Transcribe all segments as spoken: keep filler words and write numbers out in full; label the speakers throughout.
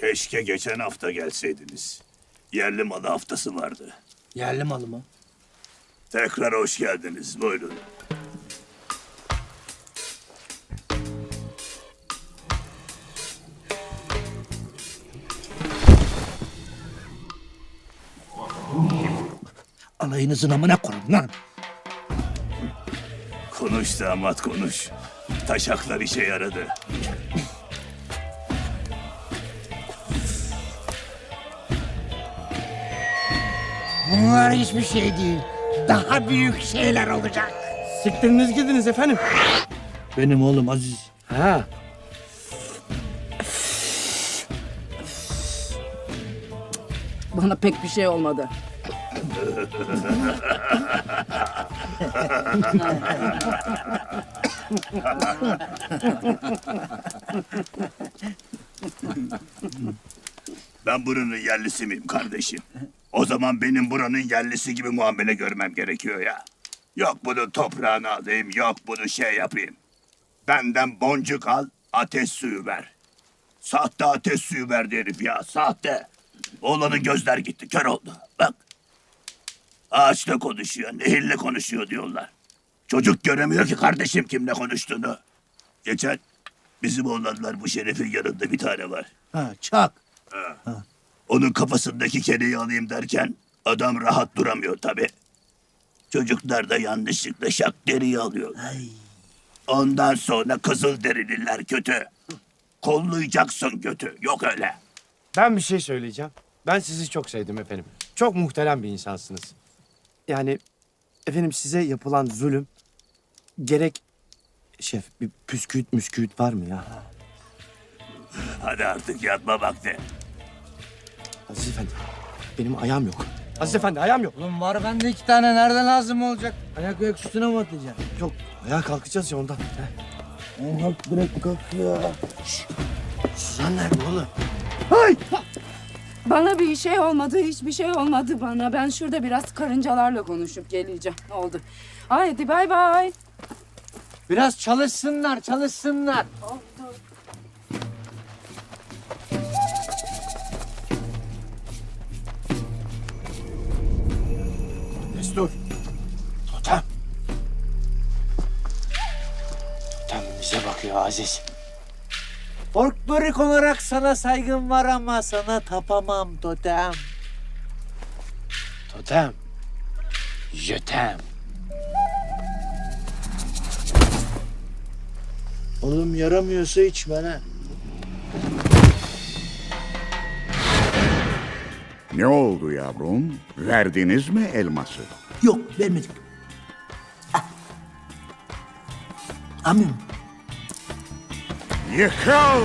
Speaker 1: Keşke geçen hafta gelseydiniz. Yerli malı haftası vardı.
Speaker 2: Yerli malı mı?
Speaker 1: Tekrar hoş geldiniz. Buyurun.
Speaker 2: Alayınızın amına koyun lan.
Speaker 1: Konuş damat konuş. Taşaklar işe yaradı.
Speaker 2: Bunlar hiçbir şey değil. Daha büyük şeyler olacak.
Speaker 3: Siktiriniz gidiniz efendim.
Speaker 2: Benim oğlum Aziz.
Speaker 3: Ha.
Speaker 4: Bana pek bir şey olmadı.
Speaker 1: Ben buranın yerlisi miyim kardeşim? O zaman benim buranın yerlisi gibi muamele görmem gerekiyor ya. Yok bunu toprağına alayım, yok bunu şey yapayım. Benden boncuk al, ateş suyu ver. Sahte ateş suyu verdi herif ya, sahte. Oğlanın gözler gitti, kör oldu. Bak. Ağaçla konuşuyor, nehirle konuşuyor diyorlar. Çocuk göremiyor ki kardeşim kimle konuştuğunu. Geçen bizim oğlanlar bu Şeref'in yanında bir tane var.
Speaker 2: Ha çak.
Speaker 1: Onun kafasındaki kereyi alayım derken adam rahat duramıyor tabii. Çocuklar da yanlışlıkla şak deriyi alıyor.
Speaker 2: Ay.
Speaker 1: Ondan sonra kızıl derililer kötü. Kollayacaksın kötü. Yok öyle.
Speaker 3: Ben bir şey söyleyeceğim. Ben sizi çok sevdim efendim. Çok muhterem bir insansınız. Yani efendim size yapılan zulüm gerek şef bir püsküüt müsküüt var mı ya?
Speaker 1: Hadi artık yatma vakti.
Speaker 3: Aziz efendi benim ayağım yok. Aziz efendi ayağım yok.
Speaker 2: Oğlum var bende iki tane. Nereden lazım olacak? Ayak ayak üstüne mi atacaksın?
Speaker 3: Yok ayağa kalkacağız ya ondan. Heh.
Speaker 2: Ay, kalk bırak kalk ya. Şşş. Suzan nerede oğlum?
Speaker 4: Bana bir şey olmadı, hiçbir şey olmadı bana. Ben şurada biraz karıncalarla konuşup geleceğim. Oldu. Haydi bay bay.
Speaker 2: Biraz çalışsınlar çalışsınlar.
Speaker 4: Oldu.
Speaker 3: Destur. Totem. Totem bize bakıyor Aziz.
Speaker 5: Folklorik olarak sana saygım var ama sana tapamam totem.
Speaker 3: Totem. Jötem.
Speaker 2: Oğlum yaramıyorsa içme ha.
Speaker 6: Ne oldu yavrum? Verdiniz mi elması?
Speaker 2: Yok vermedik. Ah. Amirim.
Speaker 6: Yıkıl!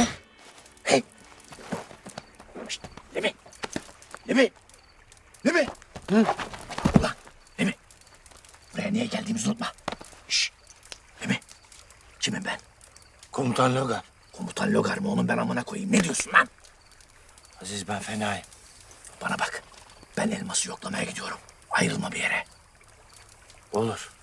Speaker 2: Lemi. Lemi. Lemi. Hı? Ulan Lemi. Buraya niye geldiğimizi unutma. Şşş. Lemi. Kimim ben? Komutan Logar. Komutan Logar mı oğlum ben amına koyayım? Ne diyorsun lan?
Speaker 3: Aziz ben fenayım.
Speaker 2: Bana bak. Ben elması yoklamaya gidiyorum. Ayrılma bir yere.
Speaker 3: Olur.